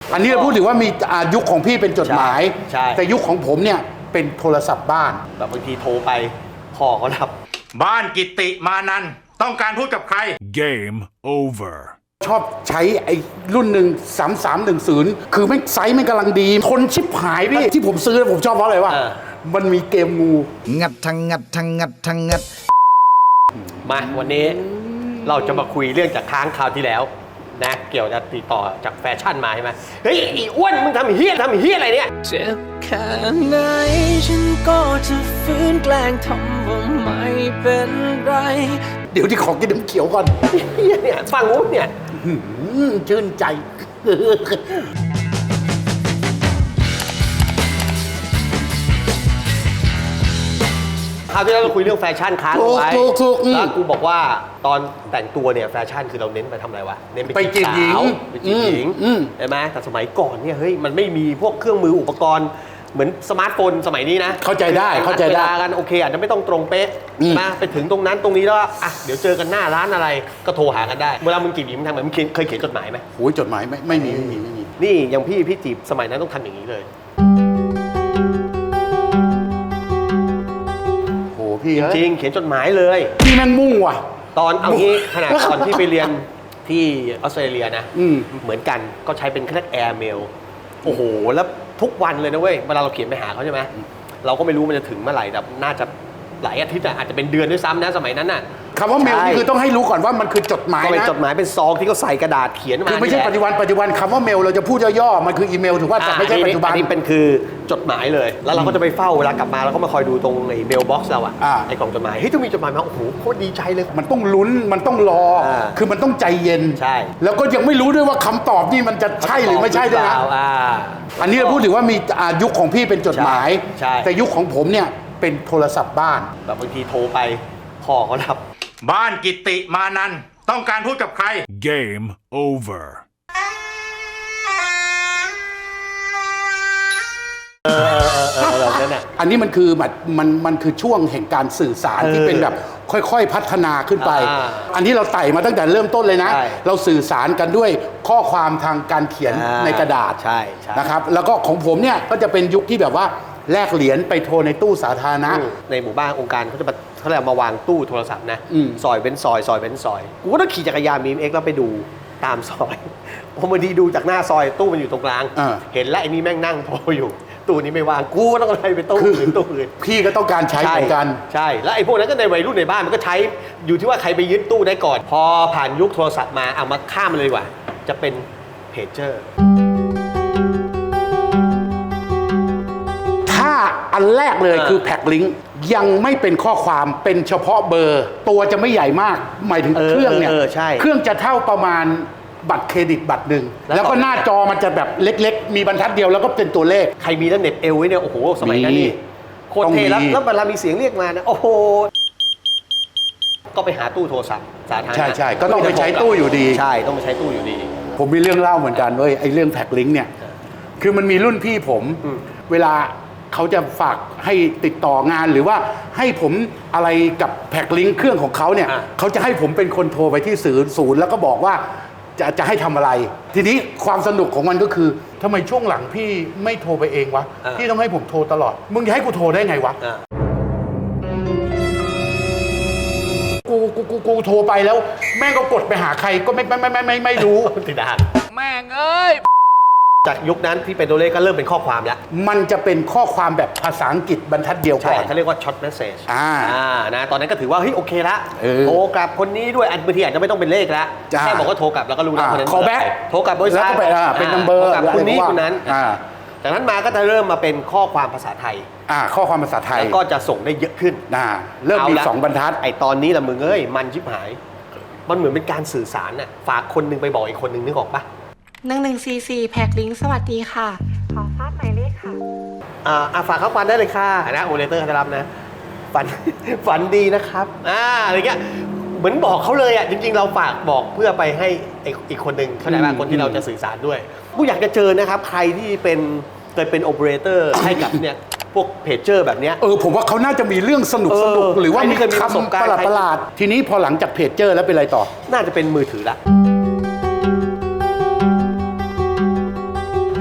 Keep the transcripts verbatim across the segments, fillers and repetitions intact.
อันนี้เราพูดถึงว่ามียุคของพี่เป็นจดหมายใช่แต่ยุคของผมเนี่ยเป็นโทรศัพท์บ้านแบบบางทีโทรไปพ่อเขารับบ้านกิติมานันท์ต้องการพูดกับใคร Game over. ชอบใช้ไอ้รุ่นหนึ่งสามสามหนึ่งศูนย์คือไม่ไซส์ไม่กำลังดีทนชิบหายพี่ที่ผมซื้อผมชอบเพราะอะไรวะมันมีเกมงูงัดทั้งงัดทั้งงัดทั้งงัดมาวันนี้เราจะมาคุยเรื่องจากค้างคราวที่แล้วนะเกี่ยวกับติดต่อจากแฟชั่นมาใช่ไหมเฮ้ยไอ้อ้วนมึงทำเฮี้ยทำเฮี้ยอะไรเนี่ยเจ็บแค่ไหนฉันก็จะฝืนแกล้งทำว่าไม่เป็นไรเดี๋ยวที่ขอกินน้ำเขียวก่อนเฮี้ยเนี่ยฟังอุ้นเนี่ยหืมชื่นใจคราวที่แล้วเราคุยเรื่องแฟชั่นค้างเอาไว้ถูกถูกถูกแล้วกูบอกว่าตอนแต่งตัวเนี่ยแฟชั่นคือเราเน้นไปทำอะไรวะเน้นไปจีบหญิงสาวไปจีบหญิงอืมใช่ไหมแต่สมัยก่อนเนี่ยเฮ้ยมันไม่มีพวกเครื่องมืออุปกรณ์เหมือนสมาร์ทโฟนสมัยนี้นะเข้าใจได้เข้าใจได้วลกันโอเคอาจจะไม่ต้องตรงเป๊ะอืมมาไปถึงตรงนั้นตรงนี้แล้วอ่ะเดี๋ยวเจอกันหน้าร้านอะไรก็โทรหากันได้เวลามึงจีบหญิงมึงทำไงมึงเคยเขียนจดหมายไหมโอ้ยจดหมายไม่ไม่มีไม่มีไม่มีนี่อย่างพี่พี่จีบสมัยนั้นต้องทำอย่างนี้เลยโหพี่จริงเขียนจดหมายเลยพี่แม่งมุ่งว่ะตอนเอางี้ขนาดตอนที่ไปเรียนที่ออสเตรเลียนะอืมเหมือนกันก็ใช้เป็นแค่แอร์เมลโอ้โหแล้วทุกวันเลยนะเว้ยเวลาเราเขียนไปหาเขาใช่ไหมเราก็ไม่รู้มันจะถึงเมื่อไหร่แต่น่าจะหลายอาทิตย์อะอาจจะเป็นเดือนด้วยซ้ำนะสมัยนั้นน่ะคำว่าเมลใช่นี่คือต้องให้รู้ก่อนว่ามันคือจดหมายก็เป็นนะจดหมายเป็นซองที่เขาใส่กระดาษเขียนมาคือไม่ใช่นี่แหละปัจจุบันปัจจุบันคำว่าเมลเราจะพูดย่อๆมันคืออีเมลถือว่าแต่ไม่ใช่ปัจจุบันอันนี้เป็นคือจดหมายเลย แล้วเราก็จะไปเฝ้าเวลากลับมาเราก็มาคอยดูตรงไอ้เมลบ็อกซ์เราอะอ่าไอ้กล่องจดหมายเฮ้ยต้องมีจดหมายมาโอ้โหโคตรดีใจเลยมันต้องลุ้นมันต้องรออ่าคือมันต้องใจเย็นใช่แล้วก็ยังไม่รู้ด้วยว่าคำตอบนี่มันจะใช่หรือไม่ใช่ด้วยนะอ่าอันนี้เราพูดถึงว่ามีอ่ายุคของพี่เป็นจดหมายใช่แต่ยุคของผมเนี่ยเป็นโทรศัพท์บ้านแบบบางทีโทรไปพ่อเขารับบ้านกิติมานันท์ต้องการพูดกับใคร Game over. เออเออแบบนั้นน่ะอันนี้มันคือมันมันมันคือช่วงแห่งการสื่อสารเออที่เป็นแบบค่อยๆพัฒนาขึ้นไปอ่าอันนี้เราไต่มาตั้งแต่เริ่มต้นเลยนะใช่เราสื่อสารกันด้วยข้อความทางการเขียนอ่าในกระดาษใช่ใช่นะครับแล้วก็ของผมเนี่ยก็จะเป็นยุคที่แบบว่าแลกเหรียญไปโทรในตู้สาธารณะในหมู่บ้านองค์การเขาจะมาเขาเรียกมาวางตู้โทรศัพท์นะอืมซอยเป็นซอยซอยเป็นซอยกูก็ต้องขี่จักรยานบีเอ็กแล้วไปดูตามซอย พอมาดีดูจากหน้าซอยตู้มันอยู่ตรงกลางอ่าเห็นแล้วไอ้นี่แม่งนั่งโทรอยู่ ตู้นี้ไม่วางกูก็ต้องอะไรไปตู้อื่นตู้อื่นพี่ก็ต้องการใช้เหมือนกันใช่แล้วไอ้พวกนั้นก็ในวัยรุ่นในบ้านมันก็ใช้อยู่ที่ว่าใครไปยึดตู้ได้ก่อน พอผ่านยุคโทรศัพท์มาเอามาข้ามมันเลยดีกว่า จะเป็นเพจเจอร์ถ้าอันแรกเลยอ่าคือแพ็กลิงก์ยังไม่เป็นข้อความเป็นเฉพาะเบอร์ ตัวจะไม่ใหญ่มาก หมายถึงเออเครื่องเนี่ยเออใช่เครื่องจะเท่าประมาณบัตรเครดิตบัตรหนึ่งแล้วแล้วก็หน้าจอมันจะแบบเล็กๆ มีบรรทัดเดียวแล้วก็เป็นตัวเลขใครมีแล้วเหน็บเอวไว้เนี่ยโอ้โหสมัยนั้นมีนี่โคตรเท่แล้วต้องมีแล้วเวลามีเสียงเรียกมานะโอ้โหก็ไปหาตู้โทรศัพท์สาธารณะใช่ใช่ก็ต้องไปใช้ตู้อยู่ดีใช่ต้องไปใช้ตู้อยู่ดีผมมีเรื่องเล่าเหมือนกันเว้ยไอ้เรื่องแพ็กลิงก์เนี่ยคือมันมีรุ่นพี่ผมอืมเวลาเขาจะฝากให้ติดต่องานหรือว่าให้ผมอะไรกับแพ็กลิงก์เครื่องของเขาเนี่ยเขาจะให้ผมเป็นคนโทรไปที่ศูนย์ศูนย์แล้วก็บอกว่าจะจะให้ทำอะไร ทีนี้ความสนุกของมันก็คือทำไมช่วงหลังพี่ไม่โทรไปเองวะพี่ต้องให้ผมโทรตลอดมึงจะให้กูโทรได้ไงวะอ่ากูกูกูกูโทรไปแล้ว แม่งก็กดไปหาใครก็ไม่ไม่ไม่ไม่ไม่ไม่รู้ติดดานแม่งเอ้ยจากยุคนั้นที่เป็นตัวเลขก็เริ่มเป็นข้อความแล้วมันจะเป็นข้อความแบบภาษาอังกฤษบรรทัดเดียวใช่ก่อนเขาเรียกว่าช็อตเมสเซจอ่านะตอนนั้นก็ถือว่าเฮ้ยโอเคละเออโทรกลับคนนี้ด้วยอันบางทีอาจจะไม่ต้องเป็นเลขแล้วจ้าแค่บอกว่าโทรกลับแล้วก็รู้แล้วอ่าคนนั้น call back โทรกลับบริษัทแล้วก็ไปอ่าเป็น number โทรกลับคนนี้อะไรก็ว่าคนนั้นอ่าจากนั้นมาก็จะเริ่มมาเป็นข้อความภาษาไทยอ่าข้อความภาษาไทยแล้วก็จะส่งได้เยอะขึ้นอ่าเริ่มมีาละสองบรรทัดไอตอนนี้ละมึงเอ้ยมันชิบหาย มันเหมือนเป็นการสื่อสารน่ะฝากคนหนึงไปบอกอีกคนหนึงนึกออกปะหนึ่งหนึ่งสี่สี่แพ็กลิงก์สวัสดีค่ะ ขอทราบหมายเลขค่ะอ่าอ่ะฝากข้อความได้เลยค่ะนะโอเปอเรเตอร์จะรับนะฝัน ฝันดีนะครับอ่าอะไรเงี้ยเหมือนบอกเขาเลยอ่ะจริงๆ เราฝากบอกเพื่อไปให้ไอ้อีกคนหนึ่งเข้าใจป่ะอืมคนที่เราจะสื่อสารด้วยผู้อยากจะเจอนะครับใครที่เป็นเคยเป็นโอเปอเรเตอร์ให้กับเนี่ยพวกเพจเจอร์แบบเนี้ยเออผมว่าเขาน่าจะมีเรื่องสนุกเออสนุกหรือว่าใครที่มีเคยมีประสบคำการปณ์ระหลาดประหลาดทีนี้พอหลังจากเพจเจอร์แล้วเป็นอะไรต่อน่าจะเป็นมือถือละ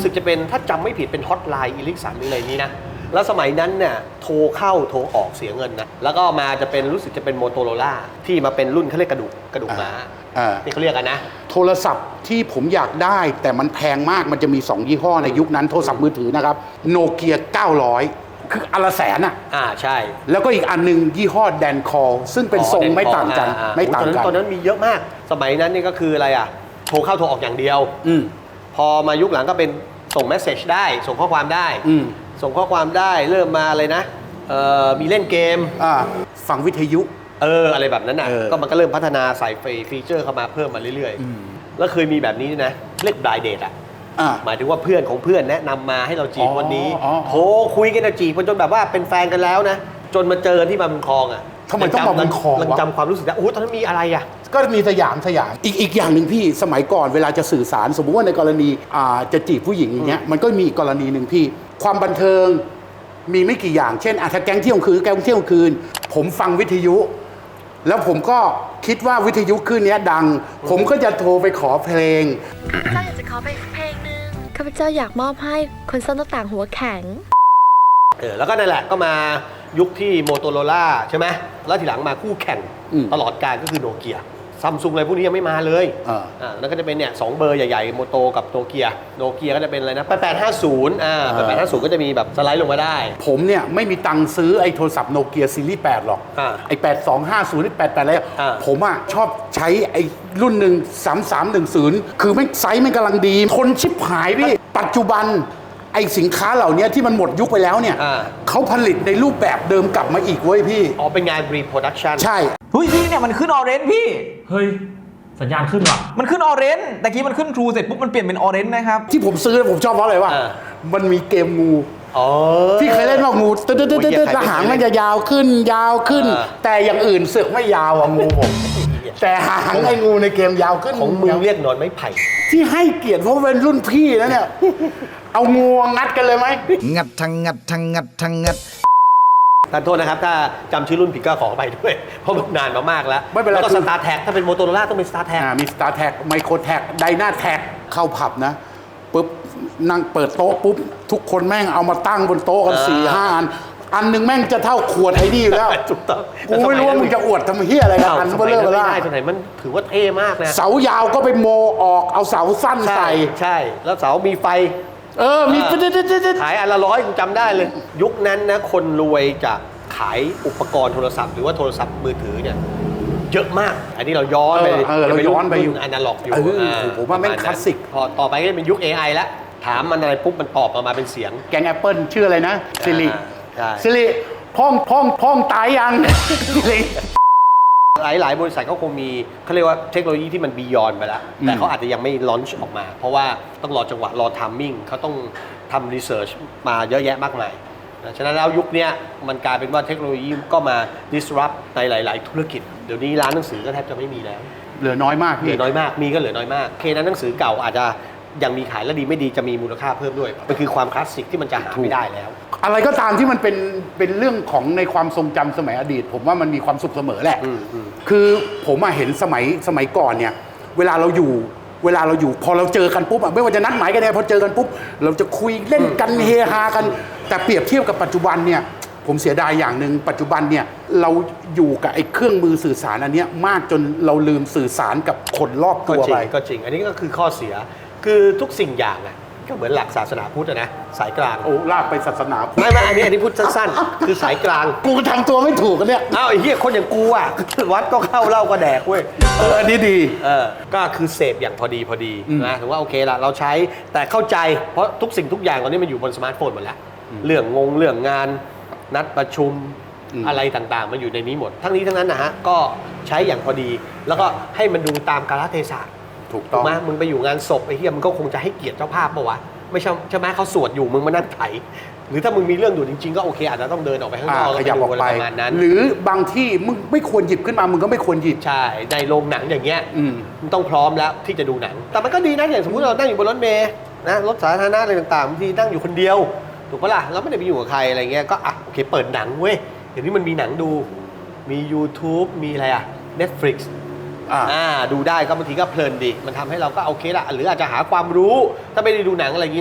รู้สึกจะเป็นถ้าจำไม่ผิดเป็นฮอตไลน์อีลิกสันหรืออะไรนี้นะแล้วสมัยนั้นเนี่ยโทรเข้าโทรออกเสียเงินนะแล้วก็มาจะเป็นรู้สึกจะเป็นโมโตโรล่าที่มาเป็นรุ่นเขาเรียกกระดูกกระดูกม้าอ่าที่เขาเรียกกันนะโทรศัพท์ที่ผมอยากได้แต่มันแพงมากมันจะมีสองยี่ห้อในยุคนั้นโทรศัพท์มือถือนะครับโนเกียเก้าร้อยคืออนละแสนอ่ะอ่าใช่แล้วก็อีกอันหนึงยี่ห้อแดนคอลซึ่งเป็นทรงไม่ต่างกันอ่อ่ไม่ต่างตอนนั้นกันตอนนั้นมีเยอะมาก สมัยนั้นนี่ก็คืออะไรอ่ะโทรเข้าโทรออกอย่างเดียวอืมพอมายุคหลังก็เป็นส่งเมสเซจได้ ส่งข้อความได้อืมส่งข้อความได้เริ่มมาอะไรนะเอ่อมีเล่นเกมอ่าฟังวิทยุเอออะไรแบบนั้นน่ะเออก็มันก็เริ่มพัฒนาใส่ฟีเจอร์เข้ามาเพิ่มมาเรื่อยๆ แล้วเคยมีแบบนี้ด้วยนะเรียกบลายเดทอ่ะอ่าหมายถึงว่าเพื่อนของเพื่อนแนะนำมาให้เราจีบอ๋อวันนี้อ๋อโทรคุยกันนะจีบกันจนแบบว่าเป็นแฟนกันแล้วนะ จนมาเจอกันที่มาบุญครองอ่ะทำไมต้องมาบุญครองวะยังจำความรู้สึกได้โอ้โหตอนนั้นมีอะไรอ่ะก็มีสยามสยามอีกอีกอย่างหนึ่งพี่สมัยก่อนเวลาจะสื่อสาร สมมุติว่าในกรณีอ่าจะจีบผู้หญิงอย่างเงี้ยมันก็มีอีกกรณีหนึ่งพี่ ความบันเทิงมีไม่กี่อย่างเช่นอ่ะถ้าแก๊งเที่ยวกลางคืนแก๊งเที่ยวกลางคืน ผมฟังวิทยุ แล้วผมก็คิดว่าวิทยุคลื่นเนี้ยดัง ผมก็จะโทรไปขอเพลงข้าพเจ้าอยากจะขอไปเพลงหนึ่งข้าพเจ้าอยากมอบให้คนซ่อมหน้าต่างหัวแข็งเออแล้วก็นั่นแหละก็มายุคที่โมโตโรล่าใช่ไหมแล้วทีหลังมาคู่แข่งอืมตลอดการก็คือโนเกียซัมซุงอะไรพวกนี้ยังไม่มาเลยอ่าอ่าแล้วก็จะเป็นเนี่ยสองเบอร์ใหญ่ๆโมโตกับโนเกียโนเกียก็จะเป็นอะไรนะแปดแปดห้าศูนย์อ่าแปดแปดห้าศูนย์ก็จะมีแบบสไลด์ลงมาได้ผมเนี่ยไม่มีตังค์ซื้อไอ้โทรศัพท์โนเกียซีรีส์แปดหรอกอ่าไอ้แปดสองห้าศูนย์แปดแปดอะไรอ่าผมอ่ะชอบใช้ไอ้รุ่นหนึ่งสามสามหนึ่งศูนย์คือไม่งไซส์ไม่งกำลังดี ทนชิบหายพี่ ปัจจุบันไอ้สินค้าเหล่านี้ที่มันหมดยุคไปแล้วเนี่ยอ่าเขาผลิตในรูปแบบเดิมกลับมาอีกเว้ยพี่อ๋อเป็นงาน reproduction ใช่เฮ้ยพี่เนี่ยมันขึ้นออเรนจ์พี่เฮ้ย สัญญาณขึ้นว่ะมันขึ้นออเรนจ์แต่กี้มันขึ้นทรูเสร็จปุ๊บมันเปลี่ยนเป็นออเรนจ์นะครับที่ผมซื้อผมชอบเพราะอะไรวะอ่ามันมีเกมงูอ๋อพี่เคยเล่นว่างูตึ๊ดตึ๊ดตึ๊ดตึ๊ดโอ้ยแล้วหางมันจะยาวขึ้นยาวขึ้นอ่าแต่อย่างอื่นเสือกไม่ยาวอ่ะงูผมแต่หางไอ้งูในเกมยาวขึ้นของมึงเรียกหนอนไม้ไผ่ที่ให้เกียรติเพราะเป็นรุ่นพี่นะเนี่ย เอางูงัดกันเลยไหมงัดทั้งงัดทั้งงัดทั้งงัดท่านโทษนะครับ ถ้าจำชื่อรุ่นผิดก็ขอไปด้วย เพราะมันนานมามากแล้วไม่เป็นไรแล้วก็คืสอตาร์แท็กถ้าเป็นโมโตโรล่าต้องเป็นสตาร์แท็กอ่ามี Star Tag Micro Tag Dyna Tag เข้าผับนะปุ๊บนั่งเปิดโต๊ะปุ๊บ ทุกคนแม่งเอามาตั้งบนโต๊ะกันอ่าสี่ห้าอัน อันหนึ่งแม่งจะเท่าขวดไอ้นี่อยู่แล้วถูกต้องกูไม่รู้ว่ามึงจะอวดทำเฮียอะไรกันเอ้าอันสเบลมัยเลอนั้นร์เบไม่ล่าได้สมัยมันถือว่าเท่มากนะเสายาวก็ไปโมออกเอาเสาสั้นใช่ใส่ใช่ แล้วเสามีไฟเออ มีอ่าตึ๊ดตึ๊ดตึ๊ดตึ๊ดขายอันละร้อยกูจำได้เลย ยุคนั้นนะคนรวยจะขายอุปกรณ์โทรศัพท์หรือว่าโทรศัพท์มือถือเนี่ยเยอะมาก อันนี้เราย้อนไปเออเออเราย้อนไปอยู่อนาล็อกอยู่เออโอ้โหผมว่าแม่งประณคลาสสิกพอต่อไปก็จะเป็นยุค เอ ไอ แล้ว ถามมันอะไรปุ๊บมันตอบออกมาเป็นเสียงแกงแอปเปิลชื่ออะไรนะซิริใช่ซิริพ่องพ่องพ่องตายยังซิริหลายหลายบริษัทเขาคงมีเขาเรียกว่าเทคโนโลยีที่มันบียอนไปแล้ว แต่อืมเขาอาจจะยังไม่ลอนช์ออกมา เพราะว่าต้องรอจังหวะรอทัมมิ่งเขาต้องทำรีเสิร์ชมาเยอะแยะมากมายนะฉะนั้นแล้วยุคเนี้ยมันกลายเป็นว่าเทคโนโลยีก็มา disrupt ในหลาย ๆ ธุรกิจ เดี๋ยวนี้ร้านหนังสือก็แทบจะไม่มีแล้วเหลือน้อยมากเหลืพี่อน้อยมาก มีก็เหลือน้อยมากโอเคนั้นหนังสือเก่าอาจจะยังมีขายและดีไม่ดีจะมีมูลค่าเพิ่มด้วยมันคือความคลาสสิกที่มันจะหาไม่ได้แล้วอะไรก็ตามที่มันเป็นเป็นเรื่องของในความทรงจำสมัยอดีต ผมว่ามันมีความสุขเสมอแหละอืมอืมคือผมอะเห็นสมัยสมัยก่อนเนี่ย เวลาเราอยู่เวลาเราอยู่พอเราเจอกันปุ๊บอะไม่ว่าจะนัดหมายกันเนี่ยพอเจอกันปุ๊บเราจะคุยเล่นกันเฮฮากัน แต่เปรียบเทียบกับปัจจุบันเนี่ยผมเสียดายอย่างหนึ่งปัจจุบันเนี่ยเราอยู่กับไอ้เครื่องมือสื่อสารอันเนี้ยมากจนเราลืมสื่อสารกับคนรอบก็ตัวจริไปงก็จริง อันนี้ก็คือข้อเสีย คือทุกสิ่งอย่างอ่ะก็เหมือนหลักศาสนาพุทธอะนะสายกลางโอ้ลากไปศาสนาพุทธไม่ไม่อันนี้อันนี้พูดสั้นๆ คือสายกลางกูทำตัวไม่ถูกกันเนี่ยอ้าวไอ้เหี้ยคนอย่างกูอ่ะ วัดก็เข้าเหล้าก็แดกเว้ยเอออันนี้ดีเออก็คือเสพอย่างพอดีพอดีอืมนะถือว่าโอเคละเราใช้แต่เข้าใจเพราะทุกสิ่งทุกอย่างตอนนี้มันอยู่บนสมาร์ทโฟนหมดแล้ว เรื่องงงเรื่องงานนัดประชุมอะไรต่างๆมันอยู่ในนี้หมด ทั้งนี้ทั้งนั้นนะฮะก็ใช้อย่างพอดี แล้วก็ให้มันดูตามกาลเทศะถูกถูต้กองไหมมึงไปอยู่งานศพไอ้เหี้ยมึงก็คงจะให้เกียรติเจ้าภาพปะวะไม่ใช่ใช่ไหมเขาสวดอยู่มึงมานั่งไถหรือถ้ามึงมีเรื่องด่วนจริงๆก็โอเคอาจจะต้องเดินออกไปข้างนอกอ่าขยับออกไปประมาณนั้นหรือบางที่มึงไม่ควรหยิบขึ้นมามึงก็ไม่ควรหยิบใช่ในโรงหนังอย่างเงี้ยอืมมันต้องพร้อมแล้วที่จะดูหนัง แต่มันก็ดีนะอย่างสมมติเรานั่งอยู่บนรถเมล์นะรถสาธารณะอะไรต่างๆบางทีนั่งอยู่คนเดียวถูกปะล่ะเราไม่ได้ไปอยู่กับใครอะไรเงี้ยก็อ่ะโอเคเปิดหนังเว้ยเดี๋ยวนี้มันมีหนังดูมี YouTube มีอะไรอ่ะ Netflix อ่าอ่าดูได้ก็บางทีก็เพลินดี มันทำให้เราก็โอเคละหรืออาจจะหาความรู้ถ้าไม่ได้ดูหนังอะไรอย่างนี้นะ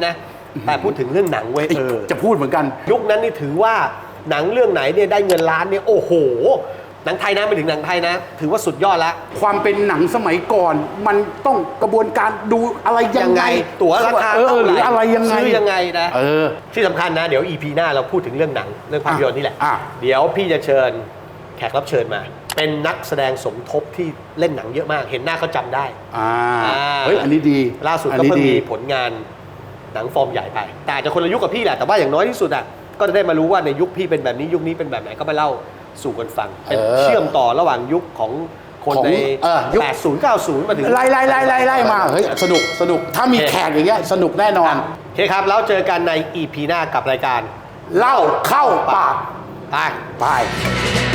แต่พูดถึงเรื่องหนังเว้ยเอ้ยเออจะพูดเหมือนกันยุคนั้นนี่ถือว่าหนังเรื่องไหนเนี่ยได้เงินล้านเนี่ยโอ้โหหนังไทยนะไม่ถึงหนังไทยนะ ถือว่าสุดยอดแล้วความเป็นหนังสมัยก่อน มันต้องกระบวนการดูอะไรยังไงตั๋วราคาเออเท่าหไหรืออะไรยังไงซื้อยังไงนะเออที่สำคัญนะเดี๋ยว อี พี หน้าเราพูดถึงเรื่องหนังเรื่องภาพยนตร์นี่แหละอ่ะเดี๋ยวพี่จะเชิญแขกรับเชิญมา เป็นนักแสดงสมทบที่เล่นหนังเยอะมาก เห็นหน้าเขาจำได้อ่าอ่าเฮ้ยอันนี้ดีล่าสุดอันก็นี้เพิ่งดีมีผลงานหนังฟอร์มใหญ่ไป แต่อาจจะคนละยุคกับพี่แหละแต่ว่าอย่างน้อยที่สุดอ่ะก็จะได้มารู้ว่าในยุคพี่เป็นแบบนี้ยุคนี้เป็นแบบไหนก็มาเล่าสู่กันฟังเป็นเออเชื่อมต่อระหว่างยุคของคนของในเออยุคแปดสิบ เก้าสิบมาถึงไล่ไล่ไล่ไล่ไล่มาเฮ้ยสนุกสนุกถ้ามีโอเคแขกอย่างเงี้ยสนุกแน่นอนโอเคครับแล้วเจอกันใน อี พี หน้ากับรายการเล่าเข้าปากไปไป